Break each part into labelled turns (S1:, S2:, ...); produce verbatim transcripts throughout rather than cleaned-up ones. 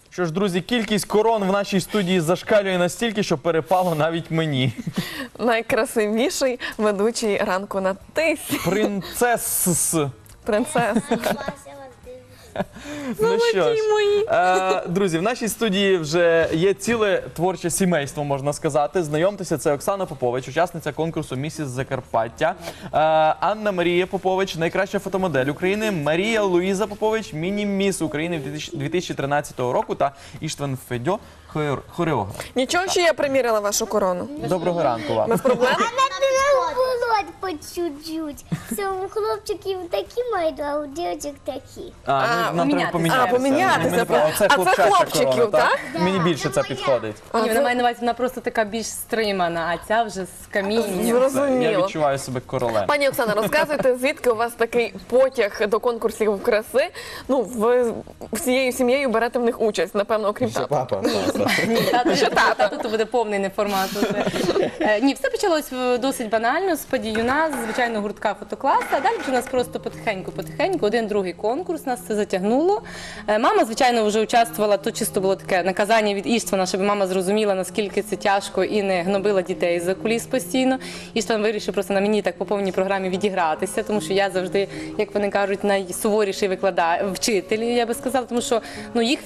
S1: Що ж, друзі, кількість корон в нашій студії зашкалює настільки, що перепало навіть мені.
S2: Найкрасивіший ведучий ранку на тисі.
S1: Принцес.
S2: Принцеса.
S1: Ну що ж,
S2: мої.
S1: е, друзі, в нашій студії вже є ціле творче сімейство, можна сказати. Знайомтеся, це Оксана Попович, учасниця конкурсу «Місіс Закарпаття», е, Анна Марія Попович, найкраща фотомодель України, Марія Луїза Попович, міні-міс України дві тисячі тринадцятого року та Іштван Федьо, хор- хореограф.
S2: Нічого, що я приміряла вашу корону.
S1: Доброго ранку вам.
S2: Без проблем.
S3: Володь по чуть-чуть. Це у хлопчиків такі мають, а у дівчаток такі.
S1: А,
S2: А,
S1: ну, нам треба помінятися.
S2: А, помінятися.
S1: Мені-
S2: А
S1: Оце
S2: це
S1: хлопчача
S2: хлопчиків,
S1: корона,
S2: так?
S1: Мені більше це підходить.
S4: Ні, вона має на увазі, вона просто така більш стримана, а ця вже з камінням.
S1: Я
S2: Зрозуміло.
S1: відчуваю себе королем.
S2: Пані Оксана, розказуйте, звідки у вас такий потяг до конкурсів краси? Ну, ви всією сім'єю берете в них участь, напевно, окрім тата.
S5: Папа.
S4: Ні, тато, тато, то буде повний неформат. уже. Е, Ні, все почалось е, досить банально, з подіюна, з звичайного гуртка фотокласу, а далі вже у нас просто потихеньку-потихеньку, один другий конкурс, нас це затягнуло. Е, Мама, звичайно, вже участвувала, то чисто було таке наказання від Іштвана, щоб мама зрозуміла, наскільки це тяжко і не гнобила дітей за куліс постійно. Іштван вирішив просто на мені так по повній програмі відігратися, тому що я завжди, як вони кажуть, найсуворіший викладач, вчитель, я би сказала, тому що ну, їх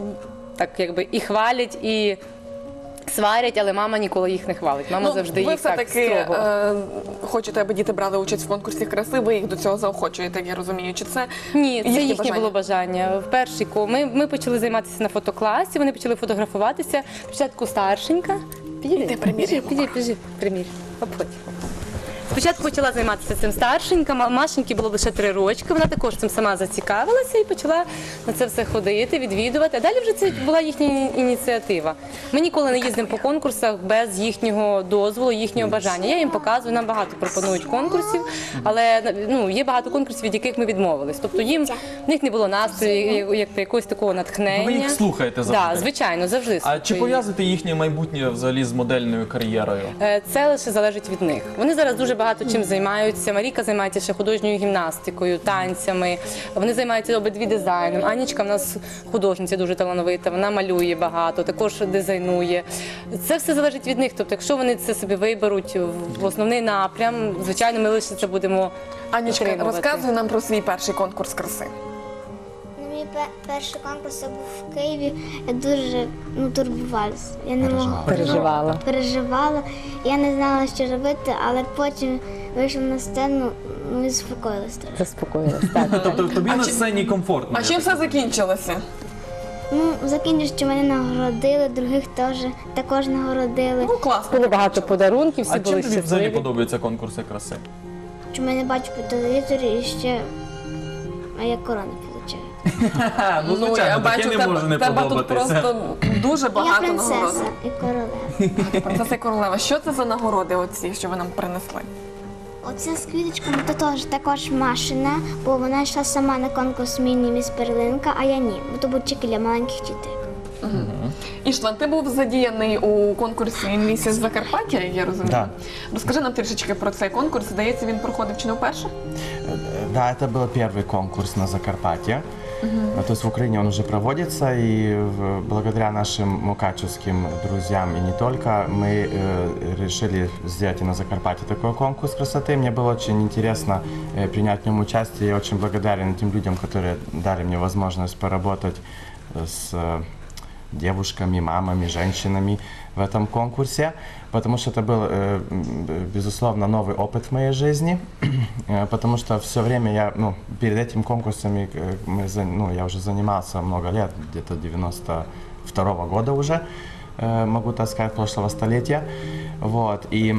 S4: так якби і хвалять, і сварять, але мама ніколи їх не хвалить. Мама завжди
S2: ви
S4: їх так
S2: все-таки
S4: строго.
S2: е, хочете, аби діти брали участь в конкурсі краси, ви їх до цього заохочуєте, як я розумію. Чи це
S4: Ні, це
S2: їхнє
S4: їхнє
S2: бажання?
S4: було бажання. В перший ко ми, ми почали займатися на фотокласі, вони почали фотографуватися. Спочатку старшенька. Підійди,
S2: Іди, приміряй.
S4: підійди, підійди, підійди, примір. Обходь. Спочатку почала займатися цим старшенька, Ма- Машеньки було лише три рочки, вона також цим сама зацікавилася і почала на це все ходити, відвідувати. А далі вже це була їхня іні- ініціатива. Ми ніколи не їздимо по конкурсах без їхнього дозволу, їхнього бажання. Я їм показую, нам багато пропонують конкурсів, але ну, є багато конкурсів, від яких ми відмовились. Тобто їм, в них не було настрою, як, як якогось такого натхнення.
S1: Ви їх слухаєте завжди?
S4: Так, звичайно, завжди
S1: А
S4: слухаю
S1: чи
S4: їх.
S1: пов'язуєте їхнє майбутнє взагалі з модельною кар'єрою?
S4: Е, Це лише залежить від них. Вони зараз дуже багато чим займаються. Маріка займається ще художньою гімнастикою, танцями. Вони займаються обидві дизайном. Анічка в нас художниця дуже талановита, вона малює багато, також дизайнує. Це все залежить від них. Тобто, якщо вони це собі виберуть в основний напрям, звичайно, ми лише це будемо
S2: Анічка,
S4: підтримувати.
S2: розказуй нам про свій перший конкурс краси.
S3: Ну, мій пе- перший конкурс був в Києві. Я дуже ну, турбувалася. Я не могла
S4: Переживала.
S3: переживала. Я не знала, що робити, але потім вийшла на сцену ну, і заспокоїлася. трохи.
S4: Заспокоїлась. Так.
S1: Тобто тобі на сцені комфортно?
S2: А чим все закінчилося?
S3: Ну, закінчив, що мене нагородили, других теж також нагородили.
S2: Ну, класно.
S4: Було багато подарунків, всі
S1: А
S4: були
S1: чим тобі взагалі
S4: щасливі.
S1: подобаються конкурси краси?
S3: Що мене бачу по телевізорі і ще, а я корони отримую.
S1: Ха, ну,
S2: Ну, я
S1: звичайно, таке
S2: бачу,
S1: не може не
S2: тебе тут
S1: подобатися.
S2: просто дуже
S3: Я
S2: багато
S3: принцеса
S2: нагород.
S3: і королева.
S2: Принцеса і королева. Що це за нагороди оці, що ви нам принесли?
S3: Оце з квіточками то теж також Машина, бо вона йшла сама на конкурс міні-міс Перлинка, а я ні, бо то був тільки для маленьких дітей.
S2: Іштван, ти був задіяний у конкурсі «Місіс Закарпаття», як я розумію.
S5: Да.
S2: Розкажи нам трішечки про цей конкурс. Здається, він проходив чи не вперше?
S5: Да, это был первый конкурс на Закарпатье. Ну, То есть в Украине он уже проводится, и в- благодаря нашим мукачевским друзьям и не только, мы э, решили сделать и на Закарпатье такой конкурс красоты. Мне было очень интересно э, принять в нем участие. Я очень благодарен тем людям, которые дали мне возможность поработать э, с э, девушками, мамами, женщинами в этом конкурсе, потому что это был, э, м, безусловно, новый опыт в моей жизни, э, потому что все время я, ну, перед этим конкурсом э, мы, за- ну, я уже занимался много лет, где-то девяносто второго года уже, э, могу так сказать, прошлого столетия, вот, и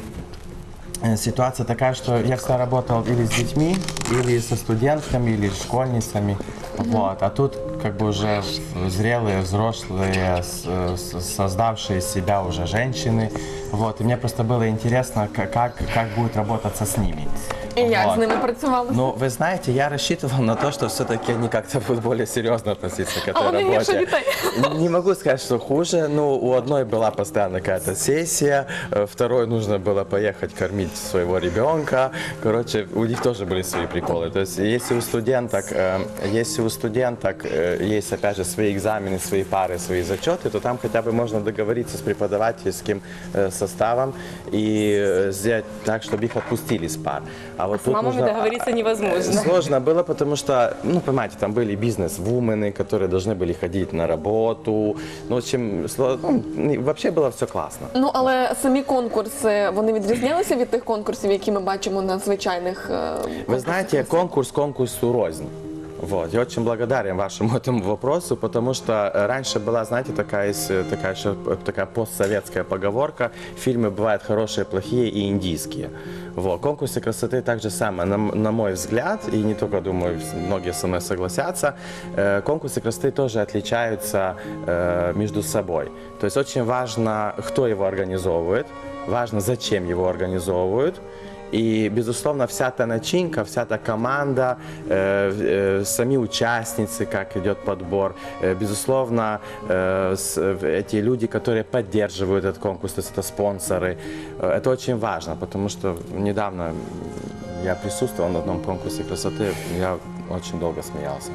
S5: э, ситуация такая, что я всегда работал или с детьми, или со студентками, или с школьницами, вот, а тут как бы уже зрелые, взрослые, с- с- создавшие себя уже женщины, вот, и мне просто было интересно, к- как, как будет работаться с ними.
S2: І як
S5: Вот.
S2: з ними працювали?
S5: Ну, вы знаете, я рассчитывал на то, что все-таки они как-то будут более серьезно относиться к
S2: А
S5: этой
S2: вони гірше
S5: работе.
S2: дітей.
S5: Не могу сказать, что хуже. Ну, у одной была постоянно какая-то сессия, э, второй нужно было поехать кормить своего ребенка. Короче, у них тоже были свои приколы. То есть, если у студенток, э, если у студенток э, есть, опять же, свои экзамены, свои пары, свои зачеты, то там хотя бы можно договориться с преподавательским э, составом и э, сделать так, чтобы их отпустили с пар. А вот
S4: С
S5: тут
S4: мамами
S5: нужно-
S4: договориться невозможно.
S5: Сложно было, потому что, ну, понимаете, там были бизнес-вумены, которые должны были ходить на работу. Ну, в общем, сло- ну, вообще было все классно.
S2: Ну, але самі конкурси, вони відрізнялися від тих конкурсів, які ми бачимо на звичайних е,
S5: Вы знаете, конкурс конкурсу рознь. Вот. Я очень благодарен вашему этому вопросу, потому что э, раньше была, знаете, такая, есть, э, такая, еще, э, такая постсоветская поговорка: фильмы бывают хорошие, плохие и индийские. Вот. Конкурсы красоты так же самое, на, м- на мой взгляд, и не только, думаю, вс- многие со мной согласятся, э, конкурсы красоты тоже отличаются э, между собой. То есть очень важно, кто его организовывает, важно, зачем его организовывают. И, безусловно, вся та начинка, вся та команда, э, э, сами участницы, как идет подбор, э, безусловно, э, с- эти люди, которые поддерживают этот конкурс, то есть это спонсоры, э, это очень важно, потому что недавно я присутствовал на одном конкурсе красоты, я очень долго смеялся.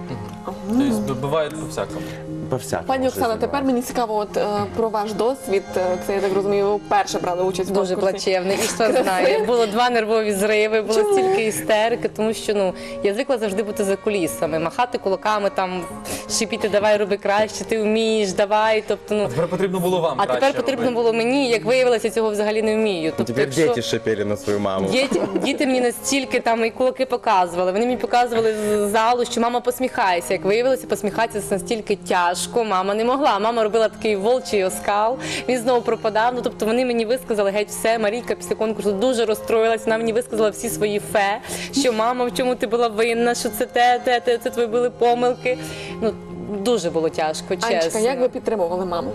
S1: Тобто буває по-всякому.
S5: По-всякому.
S2: Пані Оксана,
S5: жизнь
S2: тепер
S5: бывает.
S2: мені цікаво от, е, про ваш досвід. Е, Це, я так розумію, ви вперше брали участь в
S4: Дуже
S2: конкурсі.
S4: плачевний, і що знає. Було два нервові зриви, було стільки істерики, тому що ну я звикла завжди бути за кулісами, махати кулаками, там шипіти, давай роби краще, ти вмієш, давай. Тобто, ну
S1: Тепер потрібно було вам
S4: а
S1: краще
S4: тепер потрібно
S1: робити.
S4: було мені, як виявилося, цього взагалі не вмію. Тобто,
S5: Теперь
S4: якщо-
S5: дети шипели на свою маму.
S4: Діти, діти мені настільки там і кулаки показували. Вони мені показували з залу, що мама посміхається. Як виявилося, посміхатися настільки тяжко. Мама не могла. Мама робила такий волчий оскал. Він знову пропадав. Ну тобто вони мені висказали геть все. Марійка після конкурсу дуже розстроїлась. Вона мені висказала всі свої фе, що мама, в чому ти була винна, що це те, те, те, це твої були помилки. Ну дуже було тяжко, чесно.
S2: Анечка, як ви підтримували маму?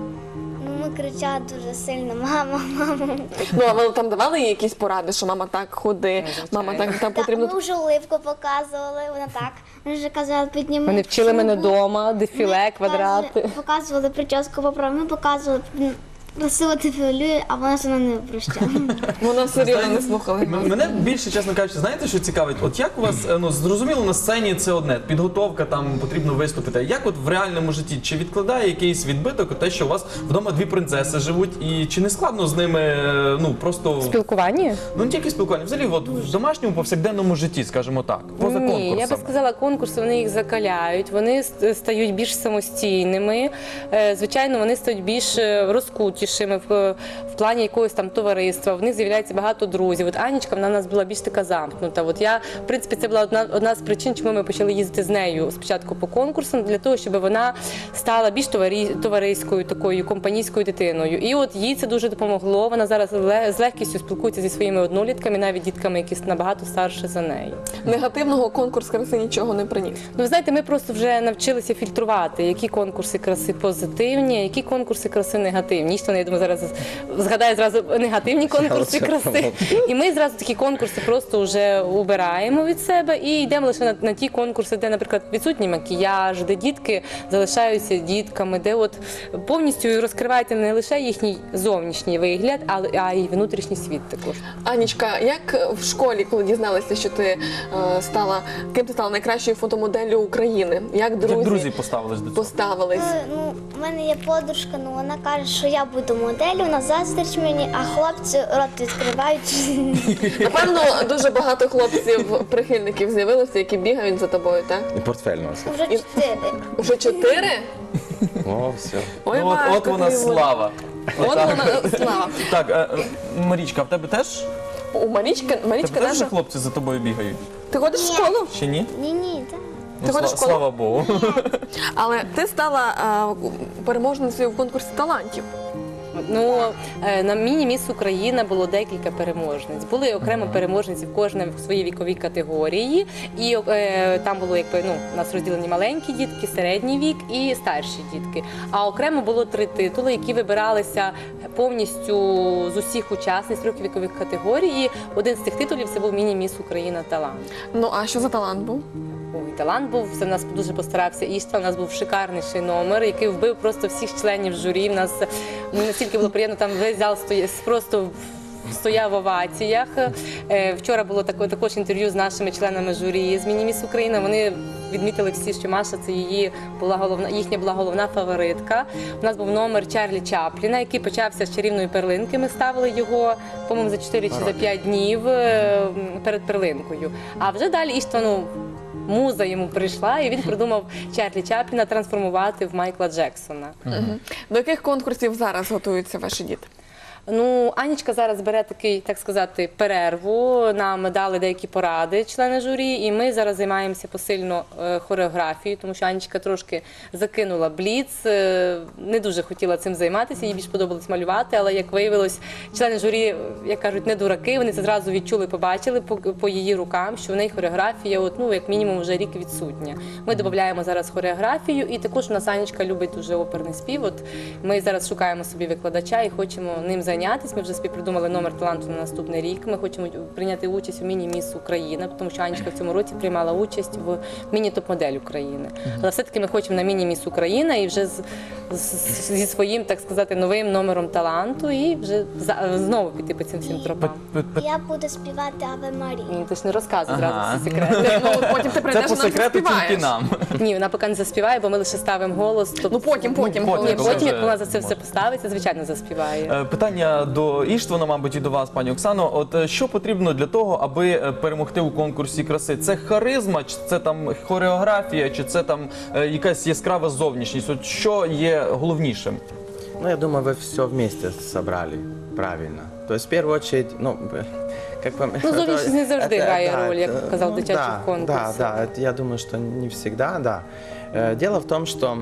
S3: Ну, ми кричали дуже сильно: мама, мама.
S2: Ну, а ви там давали їй якісь поради, що мама так ходи, мама так там потрібно.
S3: Ми вже уливку показували, вона так. Ми вже казали, підніми.
S4: Вони вчили мене
S3: шубу.
S4: вдома, дефіле,
S3: Ми
S4: квадрати.
S3: показували- Показували прическу поправ, ми показували м, красиво ти фігурює, а вона все одно не прощала.
S2: Вона все рівно не слухала.
S1: М- Мене більше, чесно кажучи, знаєте, що цікавить? От як у вас, е, ну зрозуміло, на сцені це одне, підготовка, там потрібно виступити. А як от в реальному житті, чи відкладає якийсь відбиток те, що у вас вдома дві принцеси живуть, і чи не складно з ними, е, ну просто
S4: Спілкування?
S1: ну не тільки спілкування, взагалі, от в домашньому повсякденному житті, скажімо так, поза
S4: Ні,
S1: конкурсами?
S4: я би сказала, конкурси вони їх закаляють, вони с- стають більш самостійними. Е, Звичайно, вони стають більш е, розкутішими в, в плані якогось там товариства. В них з'являється багато друзів. От Анічка, вона в нас була більш така замкнута. От я, в принципі, це була одна, одна з причин, чому ми почали їздити з нею спочатку по конкурсам, для того, щоб вона стала більш товарі, товариською, такою компанійською дитиною. І от їй це дуже допомогло. Вона зараз ле- з легкістю спілкується зі своїми однолітками, навіть дітками, які набагато старші за неї.
S2: Негативного конкурс краси нічого не приніс.
S4: Ну, ви знаєте, ми просто вже навчилися фільтрувати, які конкурси краси позитивні, а які конкурси краси негативні. Ніщо, я думаю, зараз згадаю зразу негативні конкурси
S5: Я оце
S4: краси. І ми зразу такі конкурси просто вже убираємо від себе і йдемо лише на, на ті конкурси, де, наприклад, відсутній макіяж, де дітки залишаються дітками, де от повністю розкривається не лише їхній зовнішній вигляд, але а й внутрішній світ також.
S2: Анічка, як в школі, коли дізналася, що ти е, стала, ким ти стала найкращою фотомоделлю України? Як друзі,
S1: Як друзі поставились до цього?
S2: поставились?
S3: Е, Ну, в мене є подружка, ну вона каже, що я буду моделлю, вона заздрить мені, а хлопці рот відкривають.
S2: Напевно, дуже багато хлопців, прихильників з'явилося, які бігають за тобою, так?
S5: И портфель носит.
S3: Вже чотири.
S2: Уже чотири?
S5: О, все.
S2: Ой,
S1: Ну, от,
S2: важко
S1: от вона
S2: тобі буде.
S1: слава.
S2: От вона слава.
S1: Так, е, е, Марічка, а в тебе теж?
S2: У Марічки,
S1: В тебе
S2: Марічка
S1: теж вже
S2: наша.
S1: хлопці за тобою бігають?
S2: Ти ходиш в школу?
S1: Чи ні?
S3: Ні, ні, так.
S1: Ну,
S2: Ти ходиш
S1: сла-
S2: в школу?
S1: Слава Богу.
S2: Але ти стала е, переможницею в конкурсі талантів.
S4: Ну, е, на міні-міс Україна було декілька переможниць. Були окремо переможниці в кожній в своїй віковій категорії. І е, там було якби ну, у нас розділені маленькі дітки, середній вік і старші дітки. А окремо було три титули, які вибиралися повністю з усіх учасниць трьох вікових категорій. І один з цих титулів це був міні-міс Україна талант.
S2: Ну а що за талант був?
S4: Ой, талант був, це в нас дуже постарався Іштва, у нас був шикарніший номер, який вбив просто всіх членів журі. У нас ну, настільки було приємно, там весь зал стояв, просто стояв в оваціях. Е, Вчора було таке, також інтерв'ю з нашими членами журі з Міні-міс Україна. Вони відмітили всі, що Маша це її була головна, їхня була головна фаворитка. У нас був номер Чарлі Чапліна, який почався з чарівної перлинки. Ми ставили його, по-моєму, за чотири чи за п'ять днів е, перед перлинкою. А вже далі Іштва, ну, муза йому прийшла, і він придумав Чарлі Чапліна трансформувати в Майкла Джексона.
S2: Мгм. До яких конкурсів зараз готуються ваші діти?
S4: Ну, Анічка зараз бере такий, так сказати, перерву. Нам дали деякі поради члени журі, і ми зараз займаємося посильно е, хореографією, тому що Анічка трошки закинула бліц, е, не дуже хотіла цим займатися, їй більш подобалось малювати, але, як виявилось, члени журі, як кажуть, не дураки, вони це зразу відчули, побачили по, по її рукам, що в неї хореографія, от, ну, як мінімум, вже рік відсутня. Ми додаємо зараз хореографію, і також у нас Анічка любить дуже оперний спів. От ми зараз шукаємо собі викладача і хочемо ним займатися. Ми вже співпридумали номер таланту на наступний рік. Ми хочемо прийняти участь у міні-міс Україна, тому що Анічка в цьому році приймала участь в міні-топ-модель України. Але все-таки ми хочемо на міні-міс Україна і вже з, з, зі своїм, так сказати, новим номером таланту і вже за, знову піти по цим всім тропам.
S3: Я буду співати Аве Марію.
S4: Ну, ти ж не розказуй зразу
S1: Ага.
S4: всі секрети.
S2: Ну, потім ти
S1: Це
S2: прийдеш
S1: по
S2: і нам
S1: секрету
S2: заспіваєш.
S1: тільки нам.
S4: Ні, вона поки не заспіває, бо ми лише ставимо голос. Тобто,
S2: Ну потім, потім,
S1: потім,
S2: коли
S4: ні,
S1: коли
S4: потім,
S1: вже
S4: як вона за це все
S1: може.
S4: поставиться, звичайно, заспіває.
S1: Е, Питання до Іштвана, мабуть, і до вас, пані Оксано. От е, що потрібно для того, аби е, перемогти у конкурсі краси? Це харизма, чи це там хореографія, чи це там е, якась яскрава зовнішність? От що є головнішим?
S5: Ну, я думаю, вы все вместе собрали правильно. То есть, в первую очередь, ну, как вам...
S4: Ну, зовнішність не завжди
S5: Это-
S4: грає
S5: да,
S4: роль, як
S5: это-
S4: казав
S5: ну,
S4: дитячих
S5: да,
S4: конкурсах.
S5: Да, да, это я думаю, что не всегда, да. Э, Дело в том, что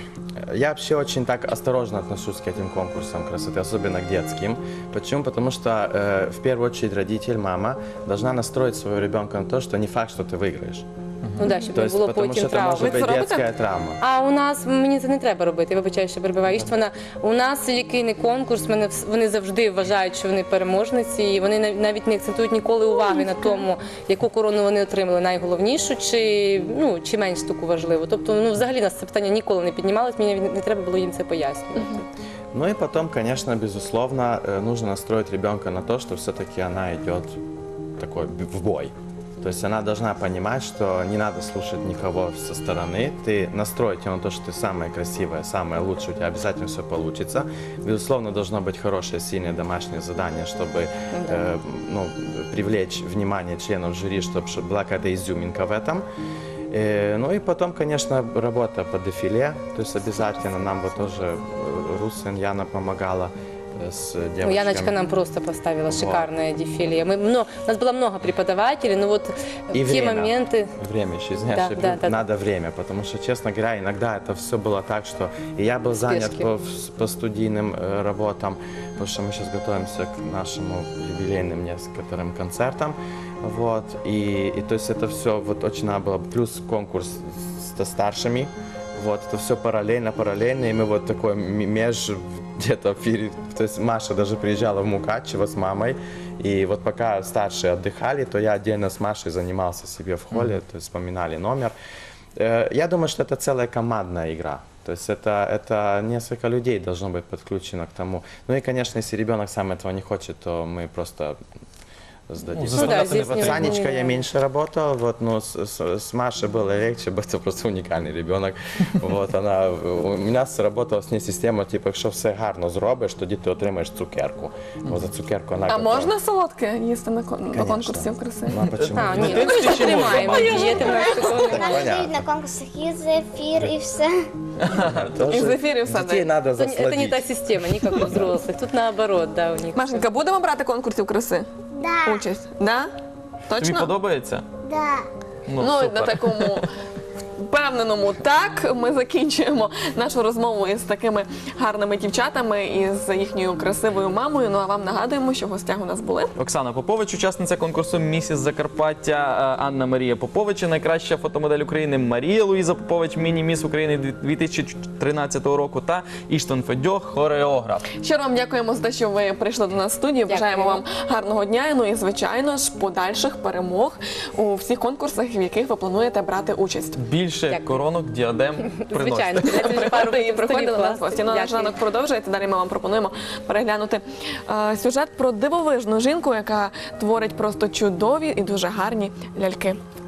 S5: я вообще очень так осторожно отношусь к этим конкурсам красоты, особенно к детским. Почему? Потому что э, в первую очередь родитель, мама должна настроить своего ребенка на то, что не факт, что ты выиграешь.
S4: Ну да, щоб
S5: То
S4: не
S5: есть,
S4: було
S5: потому
S4: потім
S5: что это
S4: травм.
S5: может
S2: Ви
S5: быть
S2: це робите?
S5: детская травма.
S4: А у нас мені це не треба робити. Я вибачаю, що перебиваю Іштвана. У нас який не конкурс, мене вс- вони завжди вважають, що вони переможниці, і вони нав- навіть не акцентують ніколи уваги на тому, яку корону вони отримали, найголовнішу, чи ну чи менш таку важливу. Тобто, ну взагалі нас це питання ніколи не піднімалось. Мені навіть не треба було їм це пояснювати.
S5: Ну и потом, конечно, безусловно, э, нужно настроить ребенка на то, что все-таки она идет такой б- в бой. То есть она должна понимать, что не надо слушать никого со стороны. Ты настроить ее на то, что ты самая красивая, самая лучшая, у тебя обязательно все получится. Безусловно, должно быть хорошее, сильное домашнее задание, чтобы э, ну, привлечь внимание членов жюри, чтобы была какая-то изюминка в этом. Э, Ну и потом, конечно, работа по дефиле, то есть обязательно нам вот тоже э, Русин Яна помогала э, с
S4: Ну,
S5: девочками.
S4: Яночка нам просто поставила
S5: Вот.
S4: шикарное дефиле. Мы, ну, у нас было много преподавателей, но вот
S5: И
S4: в те
S5: время.
S4: моменты...
S5: Время еще, знаешь,
S4: Да,
S5: я
S4: да,
S5: говорю,
S4: да.
S5: надо время, потому что, честно говоря, иногда это все было так, что и я был занят
S4: Спешки.
S5: по, по студийным э, работам, потому что мы сейчас готовимся к нашему юбилейным некоторым концертам, вот, и, и то есть это все вот очень надо было, плюс конкурс с, со старшими, вот, это все параллельно, параллельно, и мы вот такой м- меж где-то перед, то есть Маша даже приезжала в Мукачево с мамой, и вот пока старшие отдыхали, то я отдельно с Машей занимался себе в холле, то есть вспоминали номер. Э, Я думаю, что это целая командная игра. То есть это, это несколько людей должно быть подключено к тому. Ну и, конечно, если ребенок сам этого не хочет, то мы просто сдадим.
S1: Ну, да,
S5: С
S1: здесь не
S5: Санечкой я
S4: выбираем.
S5: меньше работал, вот, но с, с- с Машей было легче, это просто уникальный ребенок. Вот, она, у меня сработала з нею система, типу, якщо все гарно зробиш, тоді ти отримаєш цукерку. Бо за цукерку вона
S2: А
S5: готова.
S2: можна солодке їсти на, кон- на
S5: Конечно.
S2: конкурсі в краси?
S5: Ну, а почему?
S4: А,
S5: нет?
S4: ні, ну, ми ж тримаємо дієти, в нас такого немає.
S3: Нам
S5: понятно.
S3: дають на конкурсах і зефір, і все.
S5: Тоже
S2: І в ефірі все
S5: Детей
S2: дають.
S5: надо
S4: Это не, это не
S5: засладить.
S4: та система, не как у взрослых. Тут наоборот, да, у них.
S2: Машенька, будемо брати конкурсів краси?
S3: Да,
S2: Участь? Да?
S1: Тобі
S2: Точно?
S1: подобається?
S3: да.
S1: Ну,
S2: Ну,
S1: супер.
S2: на такому впевненому так ми закінчуємо нашу розмову із такими гарними дівчатами і з їхньою красивою мамою. Ну а вам нагадуємо, що в гостях у нас були
S1: Оксана Попович, учасниця конкурсу «Місіс Закарпаття», е, Анна Марія Попович, найкраща фотомодель України, Марія Луїза Попович, міні-міс України дві тисячі тринадцятого року та Іштван Федьох, хореограф.
S2: Щиро вам дякуємо за те, що ви прийшли до нас в студію. Бажаємо вам гарного дня. Ну і звичайно ж подальших перемог у всіх конкурсах, в яких ви плануєте брати участь.
S1: Більше
S4: Дякую.
S1: коронок, діадем приносите.
S4: Звичайно.
S2: Приходьте і приходьте до нас в гості. Ну, наш
S4: Дякую.
S2: ранок продовжується. Далі ми вам пропонуємо переглянути е, сюжет про дивовижну жінку, яка творить просто чудові і дуже гарні ляльки.